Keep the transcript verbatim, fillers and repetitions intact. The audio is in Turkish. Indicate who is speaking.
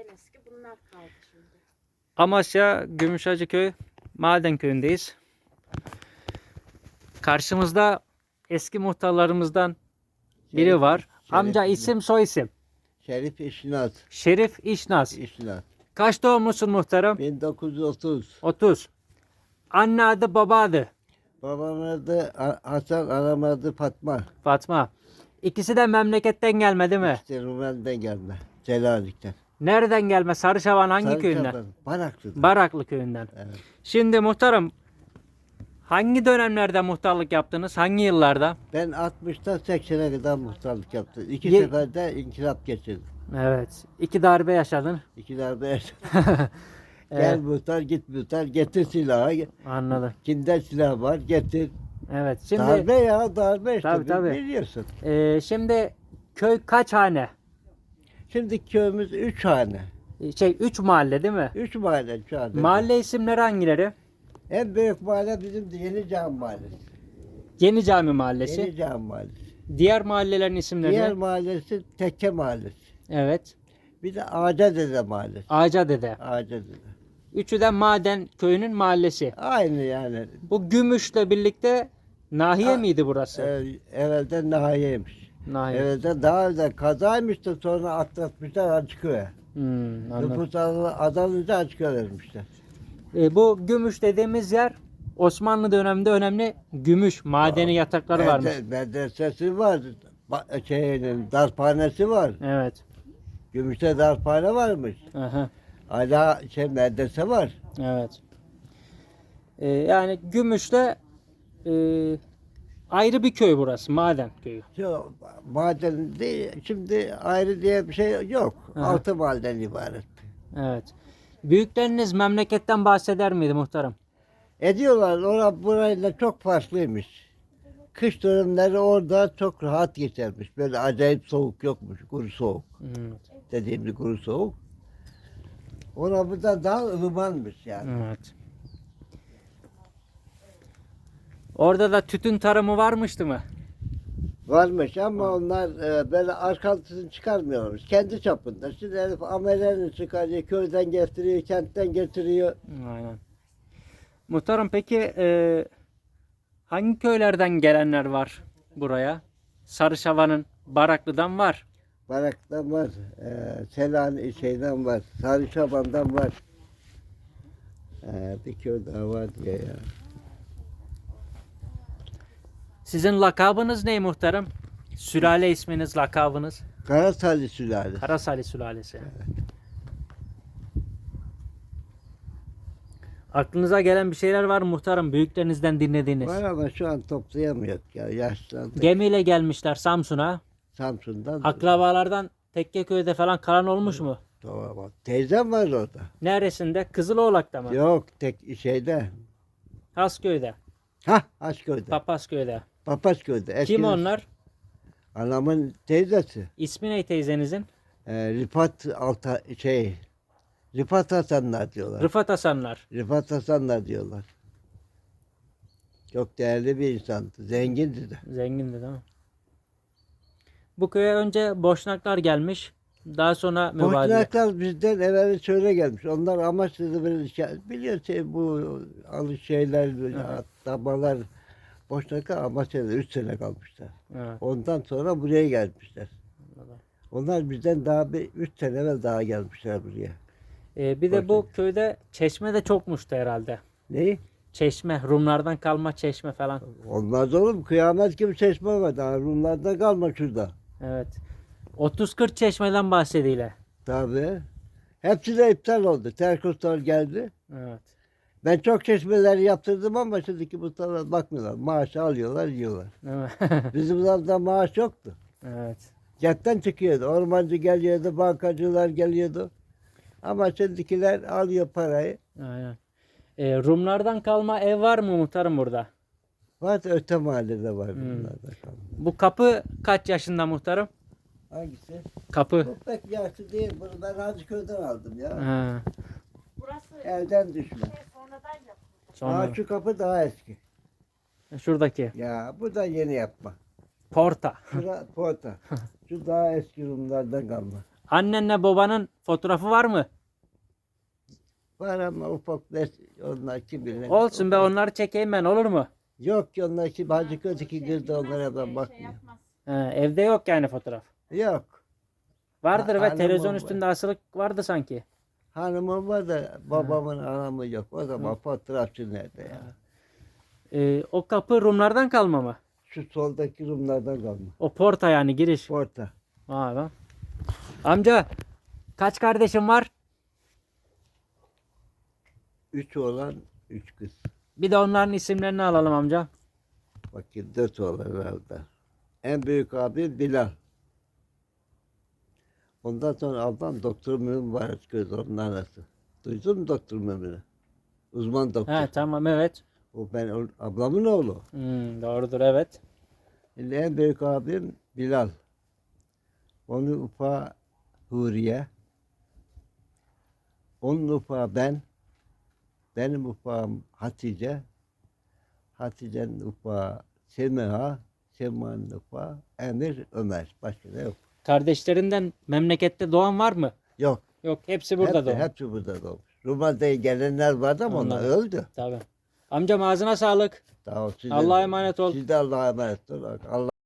Speaker 1: eski bunlar kaldı şimdi.
Speaker 2: Amasya Gümüşhacıköy Maden Köyü'ndeyiz. Karşımızda eski muhtarlarımızdan biri
Speaker 3: Şerif-
Speaker 2: var.
Speaker 3: Şerif-
Speaker 2: Amca isim soy isim.
Speaker 3: Şerif İşnaz.
Speaker 2: Şerif İşnaz.
Speaker 3: İşnaz.
Speaker 2: Kaç doğumlusun muhtarım?
Speaker 3: bin dokuz yüz otuz.
Speaker 2: otuz. Anne adı baba adı.
Speaker 3: Babamın adı Ha- Hasan, anamın adı Fatma.
Speaker 2: Fatma. İkisi de memleketten gelme değil mi?
Speaker 3: İşte Rumeli'den gelme. Celalik'ten.
Speaker 2: Nereden gelme? Sarışavan hangi
Speaker 3: Sarıçaban,
Speaker 2: köyünden?
Speaker 3: Baraklı'dan.
Speaker 2: Baraklı köyünden.
Speaker 3: Evet.
Speaker 2: Şimdi muhtarım hangi dönemlerde muhtarlık yaptınız? Hangi yıllarda?
Speaker 3: Ben altmıştan seksene kadar muhtarlık yaptım. İki
Speaker 2: Ye-
Speaker 3: seferde inkılap geçirdim.
Speaker 2: Evet. İki darbe yaşadın.
Speaker 3: İki darbe yaşadım.
Speaker 2: Evet.
Speaker 3: Gel muhtar, git muhtar, getir silahı.
Speaker 2: Anladım.
Speaker 3: Kimde silah var, getir.
Speaker 2: Evet. Şimdi
Speaker 3: Darbe ya, darbe işte.
Speaker 2: Tabii, tabii.
Speaker 3: Biliyorsun.
Speaker 2: e, şimdi köy kaç hane?
Speaker 3: Şimdi köyümüz üç hane.
Speaker 2: E, Şey üç mahalle değil mi?
Speaker 3: Üç mahalle şu anda.
Speaker 2: Mahalle isimleri hangileri?
Speaker 3: En büyük mahalle bizim de Yeni Cami Mahallesi.
Speaker 2: Yeni Cami Mahallesi.
Speaker 3: Yeni Cami Mahallesi.
Speaker 2: Diğer mahallelerin isimleri
Speaker 3: Diğer
Speaker 2: ne?
Speaker 3: mahallesi Tekke Mahallesi.
Speaker 2: Evet.
Speaker 3: Bir de Ağacadede Mahallesi.
Speaker 2: Ağacadede.
Speaker 3: Ağacadede.
Speaker 2: Üçü de Maden Köyü'nün mahallesi.
Speaker 3: Aynı yani.
Speaker 2: Bu Gümüş'le birlikte nahiye
Speaker 3: A-
Speaker 2: miydi burası?
Speaker 3: Ee, evvelden nahiyeymiş.
Speaker 2: Nahiye.
Speaker 3: Evvelden daha önce kazaymış da sonra atlatmışlar Açıköy'e.
Speaker 2: Hmm, anladım.
Speaker 3: Nüfus azalınca Açıköy'e vermişler.
Speaker 2: E, bu Gümüş dediğimiz yer Osmanlı döneminde önemli gümüş madeni yatakları varmış.
Speaker 3: Mede- Medresesi var. Ba- Şeyinin, darphanesi var.
Speaker 2: Evet.
Speaker 3: Gümüşte darphane varmış.
Speaker 2: Aha,
Speaker 3: Hala şey medrese var.
Speaker 2: evet. E, yani Gümüş'te e, ayrı bir köy burası. Maden köyü.
Speaker 3: Şu maden değil, şimdi ayrı diye bir şey yok.
Speaker 2: Aha.
Speaker 3: Altı mahalleden ibaret.
Speaker 2: Evet. Büyükleriniz memleketten bahseder miydi muhtarım?
Speaker 3: Ediyorlar. Orada burayla çok farklıymış. Kış dönemleri orada çok rahat geçermiş. Böyle acayip soğuk yokmuş. Kuru soğuk.
Speaker 2: Evet.
Speaker 3: Dediğimiz kuru soğuk. Orada burada daha ılımanmış yani.
Speaker 2: Evet. Orada da tütün tarımı varmıştı mı?
Speaker 3: Varmış ama onlar e, böyle arkasını çıkarmıyormuş. Kendi çapında. Şimdi herif amelerini çıkarıyor, köyden getiriyor, kentten getiriyor.
Speaker 2: Aynen. Muhtarım peki e, hangi köylerden gelenler var buraya? Sarışava'nın Baraklı'dan var.
Speaker 3: Barak'tan var, e, Selanik şeyden var, Sarıçaban'dan var. E, bir köy daha var diye ya.
Speaker 2: Sizin lakabınız ne muhtarım? Sülale isminiz, lakabınız?
Speaker 3: Karasali sülalesi.
Speaker 2: Karasali sülalesi. Aklınıza gelen bir şeyler var mı muhtarım? Büyüklerinizden dinlediğiniz.
Speaker 3: Var ama şu an toplayamıyoruz ya. Yaşlandık.
Speaker 2: Gemiyle gelmişler Samsun'a.
Speaker 3: Samsun'dan.
Speaker 2: Akrabalardan Tekkeköy'de falan kalan olmuş mu?
Speaker 3: Tamam. Teyzem var orada.
Speaker 2: Neresinde? Kızıloğlak'ta mı?
Speaker 3: Yok tek şeyde.
Speaker 2: Hasköy'de,
Speaker 3: Ha Aşköy'de.
Speaker 2: Papasköy'de.
Speaker 3: Papasköy'de.
Speaker 2: Kim
Speaker 3: Eskiden
Speaker 2: onlar?
Speaker 3: Anamın teyzesi.
Speaker 2: İsmi ne teyzenizin?
Speaker 3: E, Rifat Alta şey. Rifat Hasanlar diyorlar.
Speaker 2: Rıfat Hasanlar.
Speaker 3: Rifat Hasanlar diyorlar. Çok değerli bir insandı. Zengindi de.
Speaker 2: Zengindi değil mi? Bu köye önce Boşnaklar gelmiş. Daha sonra mübadele.
Speaker 3: Boşnaklar bizden evvel şöyle gelmiş. Onlar Amasya'da böyle şey, biliyor şey, bu alış şeyler,
Speaker 2: Evet.
Speaker 3: atamalar. Boşnaklar Amasya'da üç sene kalmışlar.
Speaker 2: Evet.
Speaker 3: Ondan sonra buraya gelmişler.
Speaker 2: Anladım.
Speaker 3: Onlar bizden daha bir üç sene evvel daha gelmişler buraya.
Speaker 2: Ee, bir de bu
Speaker 3: Boşnak.
Speaker 2: köyde çeşme de çokmuştu herhalde.
Speaker 3: Neyi?
Speaker 2: Çeşme, Rumlardan kalma çeşme falan.
Speaker 3: Olmaz oğlum. Kıyamet gibi çeşme var. Daha Rumlar'da kalma şurada.
Speaker 2: Evet. otuz kırk çeşmeden bahsediyle.
Speaker 3: Tabii. Hepsi de iptal oldu. Terkoslar geldi.
Speaker 2: Evet.
Speaker 3: Ben çok çeşmeler yaptırdım ama şimdiki muhtarlar bakmıyorlar. Maaş alıyorlar, yiyorlar.
Speaker 2: Değil mi?
Speaker 3: Bizim zamanında maaş yoktu.
Speaker 2: Evet.
Speaker 3: Cepten çıkıyordu. Ormancı geliyordu, bankacılar geliyordu. Ama şimdikiler alıyor parayı.
Speaker 2: Aynen. Ee, Rumlardan kalma ev var mı muhtarım burada?
Speaker 3: Var öte mahallede var
Speaker 2: Hmm.
Speaker 3: bunlardan kalma.
Speaker 2: Bu kapı kaç yaşında muhtarım?
Speaker 3: Hangisi?
Speaker 2: Kapı.
Speaker 3: Bu pek yaşlı değil. Bunu ben Hacıköy'den aldım ya.
Speaker 2: Ha.
Speaker 1: Burası
Speaker 3: Evden düşme.
Speaker 1: şey sonradan yapıldı.
Speaker 2: Sonra.
Speaker 3: Daha şu kapı daha eski.
Speaker 2: Şuradaki.
Speaker 3: Ya bu da yeni yapma.
Speaker 2: Porta.
Speaker 3: Şura porta. Şu daha eski Rumlardan kalma.
Speaker 2: Annenle babanın fotoğrafı var mı?
Speaker 3: Var ama ufak ne onlar kim bilir.
Speaker 2: Olsun be, onları çekeyim ben, olur mu?
Speaker 3: Yok ki onlar kim hacı kötü kızdı onlara ben
Speaker 1: Şey
Speaker 3: bakmıyorum.
Speaker 1: yapmaz.
Speaker 2: He, evde yok yani fotoğraf.
Speaker 3: Yok.
Speaker 2: Vardır
Speaker 3: Ha,
Speaker 2: ve
Speaker 3: hanımım
Speaker 2: televizyon
Speaker 3: var.
Speaker 2: üstünde asılı vardı sanki.
Speaker 3: Hanımım var da babamın anamı yok. O zaman fotoğrafçı nerede ya?
Speaker 2: Ee, o kapı Rumlardan kalma mı?
Speaker 3: Şu soldaki Rumlardan kalma.
Speaker 2: O porta yani giriş.
Speaker 3: Orta.
Speaker 2: Vay be. Amca kaç kardeşin var?
Speaker 3: Üç oğlan, üç kız.
Speaker 2: Bir de onların isimlerini alalım amca.
Speaker 3: Bakın dört oğlan herhalde. En büyük abi Bilal. Ondan sonra ablam Doktor Mümin var göz onun anası. Duydun mu Doktor Mümin'i? Uzman doktor.
Speaker 2: He tamam, evet.
Speaker 3: O ben o- ablamın oğlu.
Speaker 2: Hmm, doğrudur, evet.
Speaker 3: Şimdi en büyük abim Bilal. Onun ufağı Huriye. Onun ufağı ben. Benim ufağım Hatice. Hatice'nin ufağı Semiha. Semiha'nın ufağı Emir Ömer. Başka da yok.
Speaker 2: Kardeşlerinden memlekette doğan var mı?
Speaker 3: Yok.
Speaker 2: Yok, hepsi burada
Speaker 3: hepsi,
Speaker 2: doğmuş.
Speaker 3: hepsi burada doğmuş. Rumeli'de gelenler vardı ama onlar
Speaker 2: Anladım.
Speaker 3: öldü.
Speaker 2: Tabii. Amcam ağzına sağlık.
Speaker 3: Daha o size-
Speaker 2: Allah'a emanet ol.
Speaker 3: Siz de Allah'a emanet olun. Allah